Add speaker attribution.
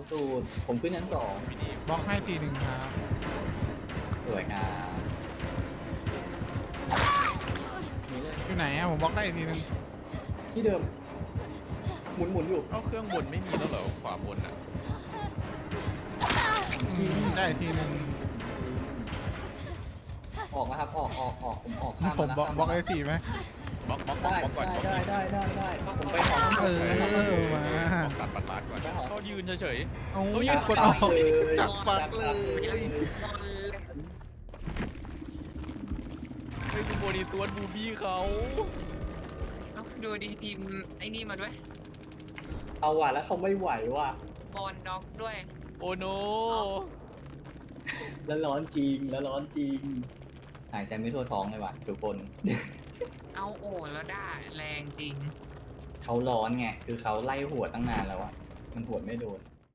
Speaker 1: สูตรผมขึ้นชั้น 2
Speaker 2: พี่ดี
Speaker 3: บล็อกให้ทีหนึ่งครับ
Speaker 1: สวยงามนี่เลย
Speaker 3: อยู่ไหนอะผมบล็อกได้อีกทีหนึ่ง
Speaker 1: ที่เดิมหมุนอยู่
Speaker 2: เอาเครื่องบนไม่มีแล้วเหรอขวาบนอ่ะ
Speaker 3: ได้อีกทีหนึ่ง
Speaker 1: ออกนะครับออกผมออกข้าม
Speaker 3: ผมบล็อก
Speaker 1: ข้าม
Speaker 3: บล็อกได้ทีไหม
Speaker 2: บล็อกก่อน
Speaker 1: ได้
Speaker 2: บล็อกก่อน
Speaker 1: ได้ผมไปของ
Speaker 3: เออมา
Speaker 2: ตัดปัดมาก่อนเขายืนเฉย
Speaker 3: เอา
Speaker 2: เฮ้ย
Speaker 3: กดออก
Speaker 1: เลย
Speaker 3: จับปักเลย
Speaker 2: ๆเฮ้ยคุณโบนีตัวบูบี้เขา
Speaker 4: ดูดีพิมพ์ไอ้นี่มาด้วย
Speaker 1: เอาว่ะแล้วเขาไม่ไหวว่ะ
Speaker 4: บอลด็อกด้วย
Speaker 2: โอ้โน
Speaker 1: แล้วร้อนจริงหายใจไม่ทั่วท้องเลยว่ะทุกคน
Speaker 4: เอาโอ้แล้วได้แรงจริง
Speaker 1: เขาร้อนไงคือเขาไล่หัวดตั้งนานแล้วอะมันหัวดไม่โดน